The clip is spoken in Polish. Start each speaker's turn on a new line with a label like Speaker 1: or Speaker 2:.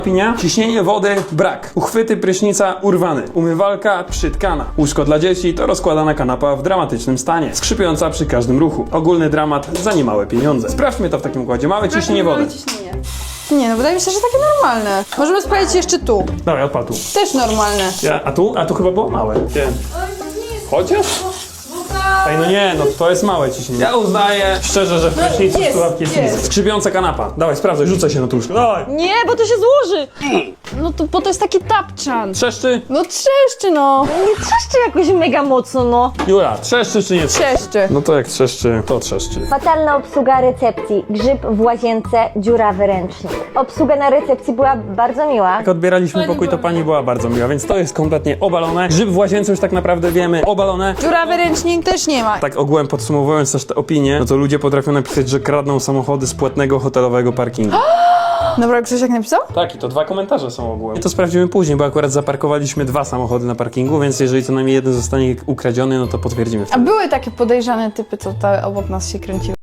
Speaker 1: Opinia? Ciśnienie wody brak. Uchwyty prysznica urwany. Umywalka przytkana. Łóżko dla dzieci to rozkładana kanapa w dramatycznym stanie. Skrzypiąca przy każdym ruchu. Ogólny dramat za niemałe pieniądze. Sprawdźmy to w takim układzie. Małe ciśnienie wody.
Speaker 2: Nie, no wydaje mi się, że takie normalne. Możemy sprawdzić jeszcze tu.
Speaker 1: Dawaj, odpal tu.
Speaker 2: Też normalne.
Speaker 1: A tu? A tu chyba było małe. Nie. Chociaż? Ej, no nie, no to jest małe ciśnienie. Ja uznaję szczerze, że w prysznicu
Speaker 2: jest,
Speaker 1: słuchawki jest
Speaker 2: jest.
Speaker 1: nisko. Skrzypiąca kanapa. Dawaj, sprawdzaj, rzucaj się na to łóżko. Dawaj.
Speaker 2: Nie, bo to się złoży. No to, bo to jest taki tapczan.
Speaker 1: Trzeszczy?
Speaker 2: No trzeszczy, no.
Speaker 3: Nie trzeszczy jakoś mega mocno, no.
Speaker 1: Jura, trzeszczy czy nie trzeszczy?
Speaker 2: Trzeszczy.
Speaker 1: No to jak trzeszczy, to trzeszczy.
Speaker 3: Fatalna obsługa recepcji. Grzyb w łazience, dziurawy ręcznik. Obsługa na recepcji była bardzo miła.
Speaker 1: Jak odbieraliśmy pokój, to pani była bardzo miła, więc to jest kompletnie obalone. Grzyb w łazience już tak naprawdę wiemy, obalone.
Speaker 2: Dziurawy ręcznik też nie ma.
Speaker 1: Tak ogółem podsumowując też te opinie, no to ludzie potrafią napisać, że kradną samochody z płatnego hotelowego parkingu.
Speaker 2: Dobra, Krzysiek napisał?
Speaker 1: Tak, i to 2 komentarze są ogółem. I to sprawdzimy później, bo akurat zaparkowaliśmy 2 samochody na parkingu, więc jeżeli co najmniej jeden zostanie ukradziony, no to potwierdzimy
Speaker 2: A
Speaker 1: wtedy.
Speaker 2: były takie podejrzane typy, co obok nas się kręciły.